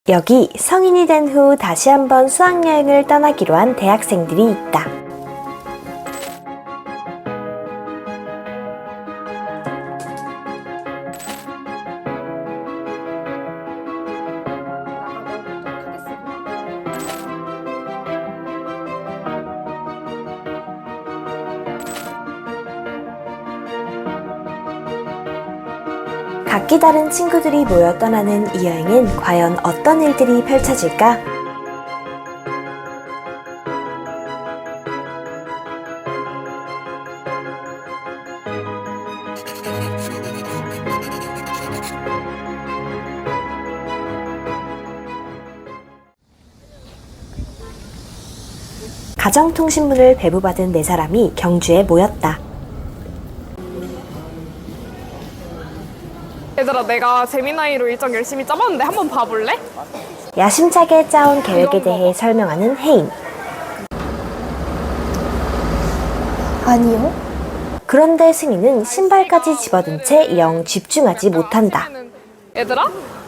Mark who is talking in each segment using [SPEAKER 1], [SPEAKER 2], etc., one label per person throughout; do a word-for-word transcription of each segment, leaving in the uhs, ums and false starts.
[SPEAKER 1] 여기 성인이 된 후 다시 한번 수학여행을 떠나기로 한 대학생들이 있다. 각기 다른 친구들이 모여 떠나는 이 여행엔 과연 어떤 일들이 펼쳐질까? 가정통신문을 배부받은 네 사람이 경주에 모였다.
[SPEAKER 2] 얘들아, 내가 재미나이로 일정 열심히 짜봤는데 한번 봐볼래?
[SPEAKER 1] 야심차게 짜온 계획에 대해 설명하는 혜인.
[SPEAKER 3] 아니요.
[SPEAKER 1] 그런데 승희는 신발까지 집어든 채 영 집중하지 못한다.
[SPEAKER 2] 얘들아?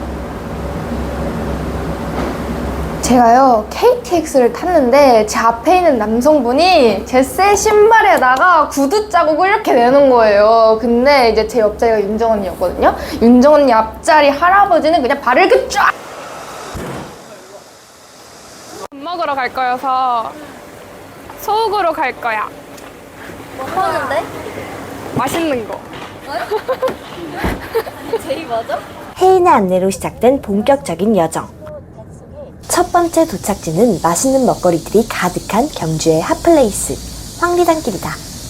[SPEAKER 3] 제가요 케이티엑스를 탔는데 제 앞에 있는 남성분이 제 새 신발에다가 구두 자국을 이렇게 내는 거예요. 근데 이제 제 옆자리가 윤정 언니였거든요. 윤정 언니 앞자리 할아버지는 그냥 발을 이렇게 쫙!
[SPEAKER 2] 밥 먹으러 갈 거여서 소옥으로 갈 거야.
[SPEAKER 4] 뭐 하는데?
[SPEAKER 2] 맛있는 거.
[SPEAKER 4] 제이 맞아?
[SPEAKER 1] 혜인의 안내로 시작된 본격적인 여정. 첫 번째 도착지는 맛있는 먹거리들이 가득한 경주의 핫플레이스 황리단길이다.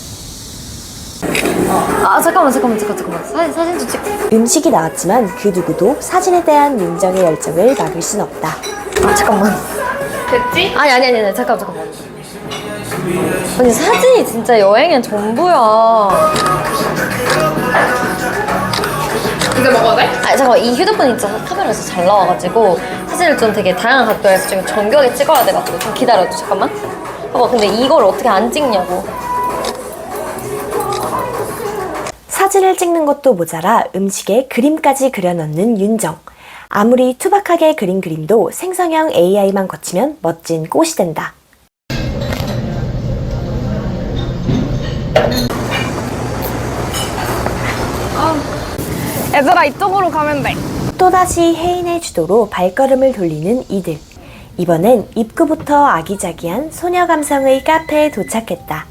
[SPEAKER 4] 아 잠깐만 잠깐만 잠깐 잠깐만 사진 사진 좀 찍.
[SPEAKER 1] 음식이 나왔지만 그 누구도 사진에 대한 윤정의 열정을 막을 순 없다.
[SPEAKER 4] 아 잠깐만.
[SPEAKER 2] 됐지?
[SPEAKER 4] 아니 아니 아니, 아니 잠깐 잠깐만. 아니 사진이 진짜 여행의 전부야.
[SPEAKER 2] 이제 먹어도 돼?
[SPEAKER 4] 아니 잠깐만 이 휴대폰 있잖아 카메라에서 잘 나와가지고 사진을 좀 되게 다양한 각도에서 좀 정교하게 찍어야 돼가지고 좀 기다려줘 잠깐만. 봐봐 근데 이걸 어떻게 안 찍냐고.
[SPEAKER 1] 사진을 찍는 것도 모자라 음식에 그림까지 그려넣는 윤정. 아무리 투박하게 그린 그림도 생성형 에이아이만 거치면 멋진 꽃이 된다.
[SPEAKER 2] 얘들아, 이쪽으로 가면 돼.
[SPEAKER 1] 또다시 혜인의 주도로 발걸음을 돌리는 이들. 이번엔 입구부터 아기자기한 소녀 감성의 카페에 도착했다.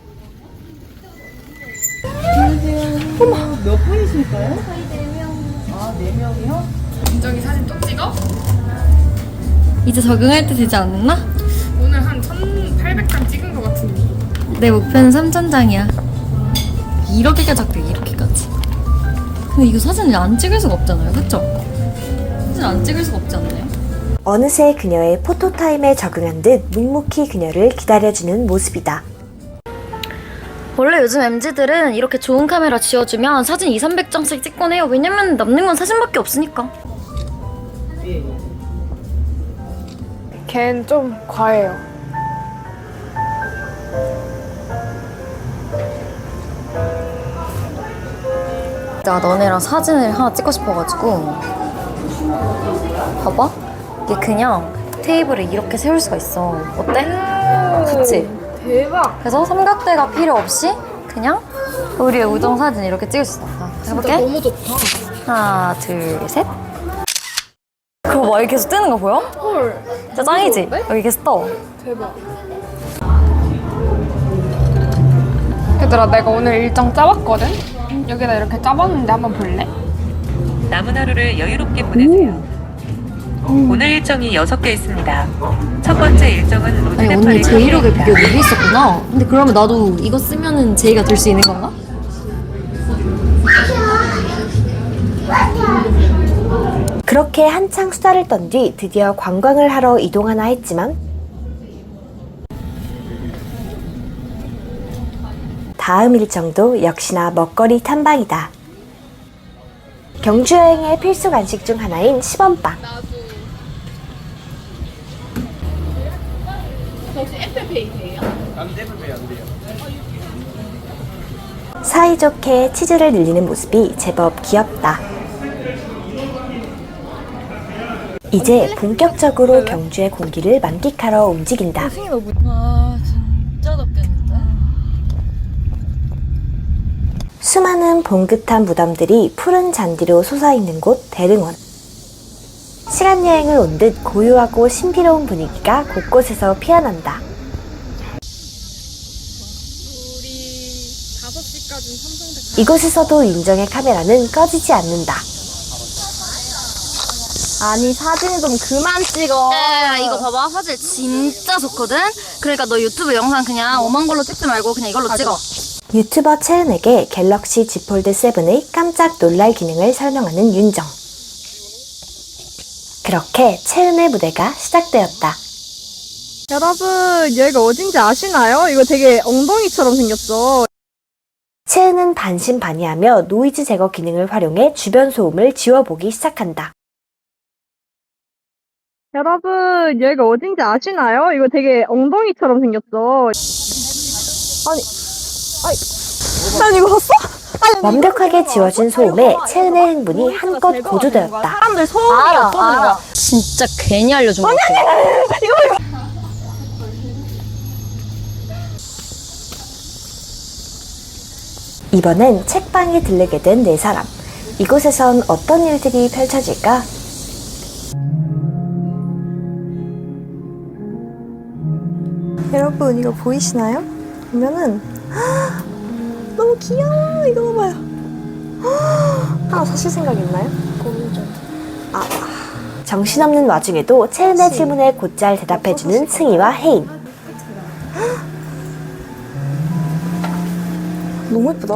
[SPEAKER 2] 윤정이 사진 또 찍어?
[SPEAKER 4] 이제 적응할 때 되지 않았나?
[SPEAKER 2] 오늘 한 천팔백 장 찍은 거 같은데.
[SPEAKER 4] 내 목표는 삼천 장이야. 이렇게까지 할게 이렇게까지. 근데 이거 사진을 안 찍을 수가 없잖아요, 그쵸? 사진 안 찍을 수가 없지 않나요?
[SPEAKER 1] 어느새 그녀의 포토타임에 적응한 듯 묵묵히 그녀를 기다려주는 모습이다.
[SPEAKER 4] 원래 요즘 엠지들은 이렇게 좋은 카메라 지어주면 사진 이삼백 장씩 찍곤 해요. 왜냐면 남는 건 사진밖에 없으니까.
[SPEAKER 2] 걘 좀 과해요.
[SPEAKER 4] 나 너네랑 사진을 하나 찍고 싶어가지고 봐봐 이게 그냥 테이블에 이렇게 세울 수가 있어. 어때? 그치?
[SPEAKER 2] 대박.
[SPEAKER 4] 그래서 삼각대가 필요 없이 그냥 우리의 우정 사진 이렇게 찍을 수 있어. 자, 해볼게.
[SPEAKER 2] 너무 좋다.
[SPEAKER 4] 하나 둘셋. 그거 막 이렇게 계속 뜨는 거 보여?
[SPEAKER 2] 헐.
[SPEAKER 4] 진짜 짱이지? 여기 계속 떠.
[SPEAKER 2] 대박. 얘들아, 내가 오늘 일정 짜봤거든? 여기다 이렇게 짜봤는데 한번 볼래?
[SPEAKER 5] 남은 하루를 여유롭게 보내세요. 오늘 일정이 여섯 개 있습니다. 첫 번째 일정은
[SPEAKER 4] 아니 언니
[SPEAKER 5] 로드네팔의
[SPEAKER 4] 제이력의
[SPEAKER 5] 카페입니다.
[SPEAKER 4] 비교 여기 있었구나. 근데 그러면 나도 이거 쓰면은 제이가 될 수 있는 건가?
[SPEAKER 1] 그렇게 한창 수다를 떤 뒤 드디어 관광을 하러 이동하나 했지만 다음 일정도 역시나 먹거리 탐방이다. 경주 여행의 필수 간식 중 하나인 시범빵.
[SPEAKER 2] 혹시 애플페이세요?
[SPEAKER 1] 사이좋게 치즈를 늘리는 모습이 제법 귀엽다. 이제 본격적으로 경주의 공기를 만끽하러 움직인다.
[SPEAKER 4] 아 진짜 덥겠는데?
[SPEAKER 1] 수많은 봉긋한 무덤들이 푸른 잔디로 솟아있는 곳 대릉원. 시간 여행을 온 듯 고요하고 신비로운 분위기가 곳곳에서 피어난다. 이곳에서도 윤정의 카메라는 꺼지지 않는다.
[SPEAKER 3] 아니 사진 좀 그만 찍어.
[SPEAKER 4] 야 이거 봐봐 사진 진짜 좋거든? 그러니까 너 유튜브 영상 그냥 오만 걸로 찍지 말고 그냥 이걸로 찍어.
[SPEAKER 1] 유튜버 채은에게 갤럭시 Z 폴드 세븐의 깜짝 놀랄 기능을 설명하는 윤정. 그렇게 채은의 무대가 시작되었다.
[SPEAKER 3] 여러분 여기가 어딘지 아시나요? 이거 되게 엉덩이처럼 생겼어.
[SPEAKER 1] 채은은 반신반의하며 노이즈 제거 기능을 활용해 주변 소음을 지워보기 시작한다.
[SPEAKER 3] 여러분 여기가 어딘지 아시나요? 이거 되게 엉덩이처럼 생겼어. 아니, 아니, 난 이거 봤어?
[SPEAKER 1] 완벽하게 지워진 소음에 채은의 흥분이 한껏 고조되었다.
[SPEAKER 3] 사람들 소음이
[SPEAKER 4] 알아
[SPEAKER 3] 없어지는 거야.
[SPEAKER 4] 알아. 진짜 괜히 알려준 거 같아.
[SPEAKER 1] 이번엔 책방에 들르게 된 네 사람. 이곳에선 어떤 일들이 펼쳐질까? 여러분 이거 보이시나요? 보면은 헉, 너무 귀여워. 이거 봐봐요. 헉, 하나 사실 생각 있나요? 아, 정신없는 와중에도 채은의 질문에 곧잘 대답해주는 승희와 혜인. 헉, 너무 예쁘다.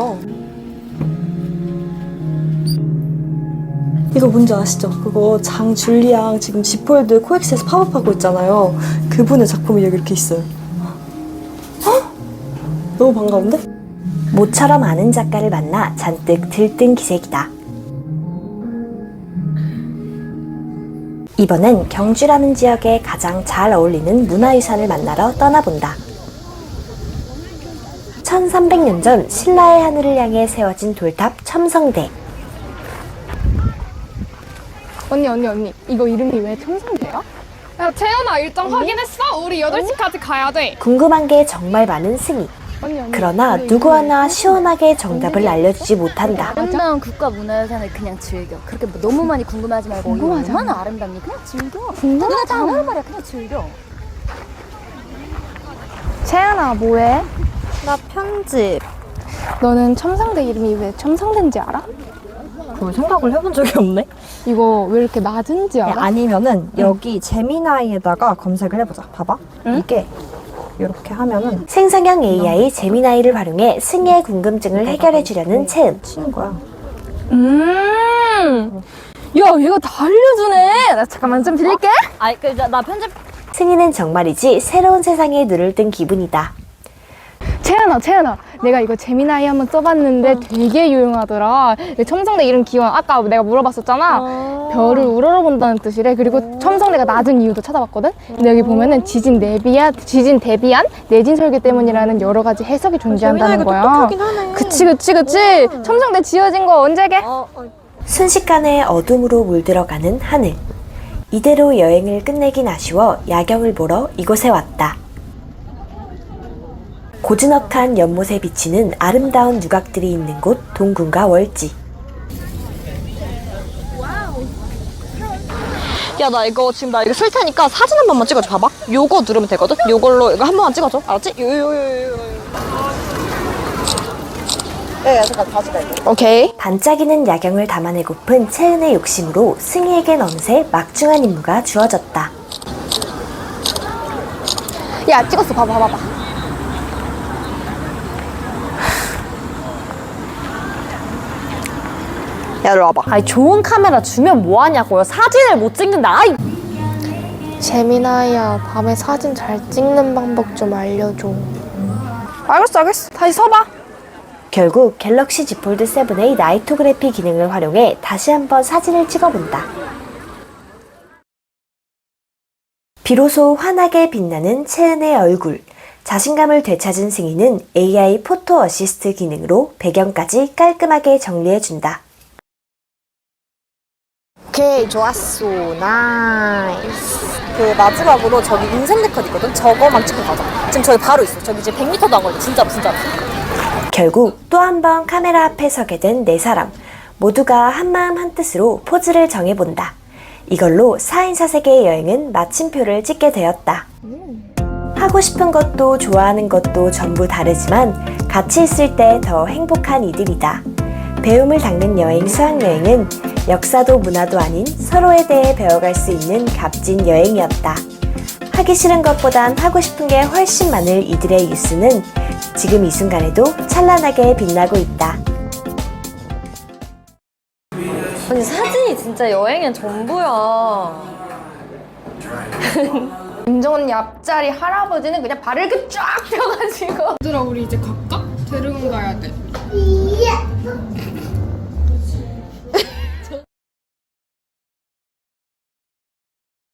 [SPEAKER 1] 이거 뭔지 아시죠? 그거 장줄리앙 지금 지폴드 코엑스에서 팝업하고 있잖아요. 그분의 작품이 여기 이렇게 있어요. 헉! 너무 반가운데? 모처럼 아는 작가를 만나 잔뜩 들뜬 기색이다. 이번엔 경주라는 지역에 가장 잘 어울리는 문화유산을 만나러 떠나본다. 천삼백 년 전 신라의 하늘을 향해 세워진 돌탑 첨성대.
[SPEAKER 3] 언니 언니 언니 이거 이름이 왜 첨성대야?
[SPEAKER 2] 야 채연아 일정 확인했어? 우리 여덟 시까지 가야 돼.
[SPEAKER 1] 궁금한 게 정말 많은 승희.
[SPEAKER 3] 언니 언니.
[SPEAKER 1] 그러나
[SPEAKER 3] 이거
[SPEAKER 1] 누구
[SPEAKER 3] 이름이
[SPEAKER 1] 하나
[SPEAKER 3] 왜
[SPEAKER 1] 시원하게 정답을 알려주지 못한다.
[SPEAKER 4] 아름다운 국가 문화유산을 그냥 즐겨. 그렇게 뭐 너무 많이 궁금하지 말고 이거
[SPEAKER 3] 궁금하잖아.
[SPEAKER 4] 얼마나 아름답니? 그냥 즐겨.
[SPEAKER 3] 궁금하잖아.
[SPEAKER 4] 그냥 장난하는 말이야. 그냥 즐겨.
[SPEAKER 3] 채연아 뭐해?
[SPEAKER 1] 나 편집.
[SPEAKER 3] 너는 첨성대 이름이 왜 첨성대인지 알아?
[SPEAKER 6] 그걸 생각을 해본 적이 없네.
[SPEAKER 3] 이거 왜 이렇게 낮은지 알아?
[SPEAKER 6] 아니면은 여기 제미나이에다가 검색을 해보자. 봐봐. 이게 이렇게 하면은
[SPEAKER 1] 생성형 에이아이 제미나이를 활용해 승희의 궁금증을 해결해주려는 채은.
[SPEAKER 6] 치는 거야.
[SPEAKER 3] 음. 야 얘가 다 알려주네. 나 잠깐만 좀 빌릴게.
[SPEAKER 4] 아이 그나 편집.
[SPEAKER 1] 승희는 정말이지 새로운 세상에 눈을 뜬 기분이다.
[SPEAKER 3] 채연아 채연아 내가 이거 제미나이 한번 써봤는데 되게 유용하더라. 첨성대 이름 기원 아까 내가 물어봤었잖아. 별을 우러러본다는 뜻이래. 그리고 첨성대가 낮은 이유도 찾아봤거든. 근데 여기 보면은 지진 대비한 지진 대비한 내진 설계 때문이라는 여러 가지 해석이 존재한다는 거야. 그치 그치 그치. 첨성대 지어진 거 언제게?
[SPEAKER 1] 순식간에 어둠으로 물들어가는 하늘. 이대로 여행을 끝내긴 아쉬워 야경을 보러 이곳에 왔다. 고즈넉한 연못에 비치는 아름다운 누각들이 있는 곳 동궁과 월지.
[SPEAKER 6] 야, 나 이거 지금 나 이거 쓸 테니까 사진 한 번만 찍어줘. 봐봐. 요거 누르면 되거든? 요걸로 이거 한 번만 찍어줘. 알았지? 요, 요, 요, 요, 요. 야, 야, 잠깐 다시 가. 오케이.
[SPEAKER 1] 반짝이는 야경을 담아내고픈 채은의 욕심으로 승희에겐 어느새 막중한 임무가 주어졌다.
[SPEAKER 3] 야 찍었어. 봐봐 봐봐.
[SPEAKER 6] 야, 이리 와봐.
[SPEAKER 1] 아니 좋은 카메라 주면 뭐하냐고요. 사진을 못 찍는다. 아이.
[SPEAKER 3] 제미나이야 밤에 사진 잘 찍는 방법 좀 알려줘. 알겠어 알겠어. 다시 서봐.
[SPEAKER 1] 결국 갤럭시 Z 폴드 세븐의 나이토그래피 기능을 활용해 다시 한번 사진을 찍어본다. 비로소 환하게 빛나는 채은의 얼굴. 자신감을 되찾은 승희는 에이아이 포토 어시스트 기능으로 배경까지 깔끔하게 정리해준다. 오케이, 좋았어. 나이스. 그 마지막으로 저기 인생 네컷 있거든? 저거만 찍고 가자. 지금 저기 바로 있어. 저기 이제 백 미터도 안 걸려. 진짜로, 진짜로. 결국 또 한 번 카메라 앞에 서게 된 네 사람. 모두가 한마음 한뜻으로 포즈를 정해본다. 이걸로 사 인 사색의 여행은 마침표를 찍게 되었다. 하고 싶은 것도 좋아하는 것도 전부 다르지만 같이 있을 때 더 행복한 이들이다. 배움을 닦는 여행 수학여행은 역사도 문화도 아닌 서로에 대해 배워갈 수 있는 값진 여행이었다. 하기 싫은 것보단 하고 싶은 게 훨씬 많을 이들의 뉴스는 지금 이 순간에도 찬란하게 빛나고 있다.
[SPEAKER 4] 아니 사진이 진짜 여행의 전부야.
[SPEAKER 3] 윤정 언니 앞자리 할아버지는 그냥 발을 이렇게 쫙 펴가지고
[SPEAKER 2] 얘들아 우리 이제 갈까? 대릉 가야 돼.